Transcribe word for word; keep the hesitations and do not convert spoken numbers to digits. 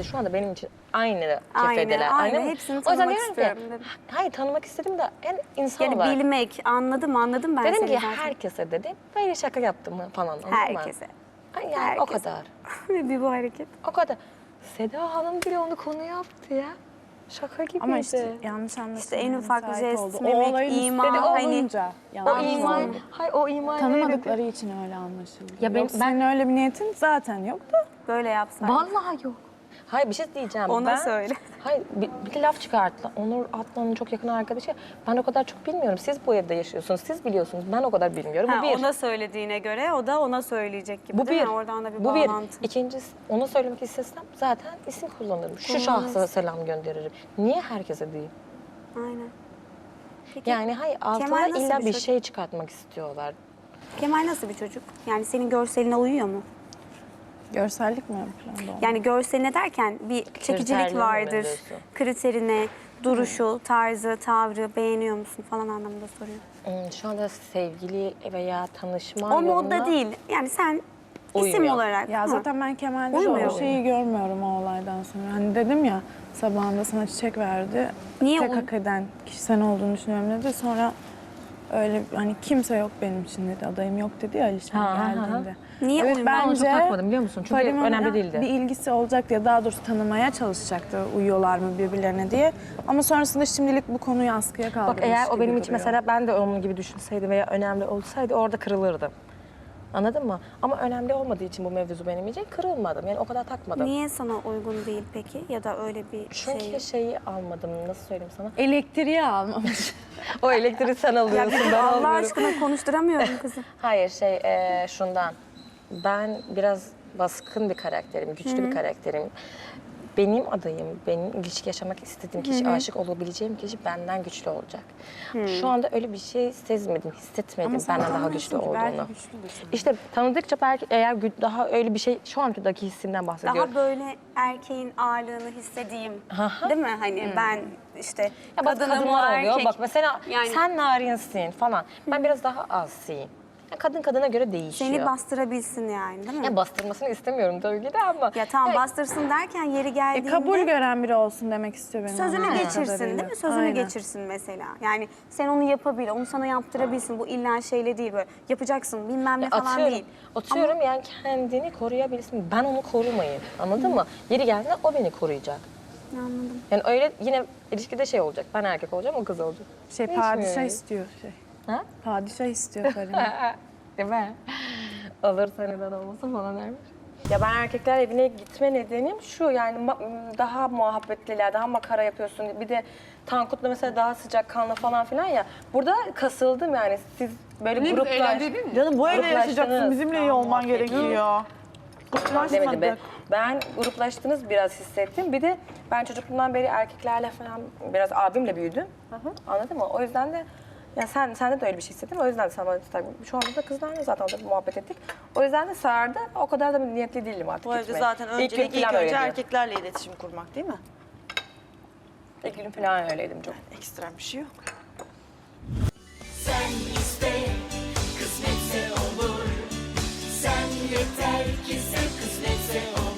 hepsi şu anda benim için aynı Aynı, kefedeler. aynı. mı? Hepsini O yüzden tanımak diyorum istiyorum ki, dedim. hayır tanımak istedim de en insan Yani olarak. bilmek, anladım anladım ben Dedim seni ki zaten. herkese dedim, böyle şaka yaptım mı falan. anladın mı? Herkese. Ay yani Herkese. o kadar. bir bu hareket. O kadar. Seda Hanım bile onu konu yaptı ya. Şaka gibiydi. Ama işte yanlış anlaşılmaya İşte en ufak müsait jest, oldu. mimik, o olayın ima, üstleri hani- olunca o yanlış iman, oldu. hayır o iman Tanımadıkları için öyle anlaşıldı. Ya ben- Yoksa ben- senin öyle bir niyetin zaten yoktu. Böyle yapsaydın. Vallahi yok. Hayır bir şey diyeceğim. Ona ben, söyle. Hayır bir, bir de laf çıkarttılar. Onur Atlan'ın çok yakın arkadaşı. Ben o kadar çok bilmiyorum. Siz bu evde yaşıyorsunuz. Siz biliyorsunuz. Ben o kadar bilmiyorum. Ha, bu bir. ona söylediğine göre o da ona söyleyecek gibi Bu değil bir. mi? Oradan da bir bu bir. bağlantı. İkincisi ona söylemek istesem zaten isim kullanırım. Şu şahsa selam gönderirim. Niye herkese değil? Aynen. Peki Yani hayır altına Kemal nasıl illa bir bir çocuk? şey çıkartmak istiyorlar. Kemal nasıl bir çocuk? Yani senin görseline uyuyor mu? Görsellik mi ön planda oldu? Yani görseline derken bir çekicilik Kriterlerine mi vardır. diyorsun? Kriterine, duruşu, tarzı, tavrı beğeniyor musun falan anlamında soruyor. Hmm, şu anda sevgili veya tanışma O yoluna modda değil. Yani sen isim Uymuyor. olarak. Ya ha. zaten ben Kemal'de Uymuyor. o şeyi görmüyorum o olaydan sonra. Hani dedim ya sabahında sana çiçek verdi. Niye Tek uy- hak eden kişi sen olduğunu düşünüyorum dedi. Sonra öyle hani kimse yok benim için dedi. Adayım yok dedi ya Alişan Ha, ha, ha. geldiğinde. Niye Evet, uymuyor? Ben onu çok bence takmadım biliyor musun? Çünkü Fadime'nin önemli değildi. bir ilgisi olacak diye daha doğrusu tanımaya çalışacaktı uyuyorlar mı birbirlerine diye. Ama sonrasında şimdilik bu konuyu askıya kaldırmış Bak eğer o gibi benim için duruyor. mesela ben de onun gibi düşünseydim veya önemli olsaydı orada kırılırdım. Anladın mı? Ama önemli olmadığı için bu mevzu benim için kırılmadım. Yani o kadar takmadım. Niye sana uygun değil peki? Ya da öyle bir Çünkü şey. şeyi almadım. Nasıl söyleyeyim sana? Elektriği almamış. O elektriği sen Ya alıyorsun. bir dur, ben Allah almıyorum. aşkına konuşturamıyorum kızım. Hayır şey e, şundan. Ben biraz baskın bir karakterim, güçlü bir karakterim. Benim adayım, benim ilişki yaşamak istediğim kişi, aşık olabileceğim kişi benden güçlü olacak. Şu anda öyle bir şey sezmedim, hissetmedim Ama sen benden daha güçlü tanımıyorsun ki, olduğunu. belki güçlüdür sana. İşte tanıdıkça belki eğer gü- daha öyle bir şey, şu andaki hissinden bahsediyorum. Daha böyle erkeğin ağırlığını hissedeyim. Aha. Değil mi? Hani ben işte Ya bak kadınım o kadınlar oluyor. erkek. Bak mesela Yani- sen narinsin falan. Ben biraz daha azsiyim. Ya kadın kadına göre değişiyor. Seni bastırabilsin yani değil mi? Ya bastırmasını istemiyorum tabii ki de ama. Ya tamam Ya- bastırsın derken yeri E, geldiğinde kabul gören biri olsun demek istiyor benim sözünü anladığım geçirsin kadarıyla. değil mi? Sözünü Aynen. geçirsin mesela. Yani sen onu yapabil, onu sana yaptırabilsin. Bu illa şeyle değil böyle yapacaksın bilmem ne falan Atıyorum, değil. atıyorum yani kendini koruyabilsin. Ben onu korumayayım. Anladın mı? Yeri geldiğinde o beni koruyacak. Anladım. Yani öyle yine ilişkide şey olacak. Ben erkek olacağım, o kız olacak. Şey Hiç padişah mi? istiyor şey. Ha? Padişah istiyor Fadime. Değil mi? Alırsa neden olmasın falan dermiş. Ya ben erkekler evine gitme nedenim şu yani ma- daha muhabbetliler, daha makara yapıyorsun. Bir de Tankut'la mesela daha sıcak kanlı falan filan ya. Burada kasıldım yani siz böyle gruplar... Canım bu evde Gruplaştınız. yaşayacaksın. Bizimle iyi olman gerekiyor. Demedim be. Ben gruplaştınız biraz hissettim. Bir de ben çocukluğumdan beri erkeklerle falan biraz abimle büyüdüm. Anladın mı? O yüzden de ya sen sende de öyle bir şey hissettim. O yüzden de sana tabii şu anda da kızlarla zaten orada muhabbet ettik. O yüzden de sardı. O kadar da niyetli değilim artık. Bu evde gitmeye. zaten İlk öncelik gün ilk falan önce öyleydim. erkeklerle iletişim kurmak değil mi? İlk gün falan öyleydim çok. Ekstrem bir şey yok. Sen iste, kısmetse olur. Sen yeter ki sen kısmetse olur.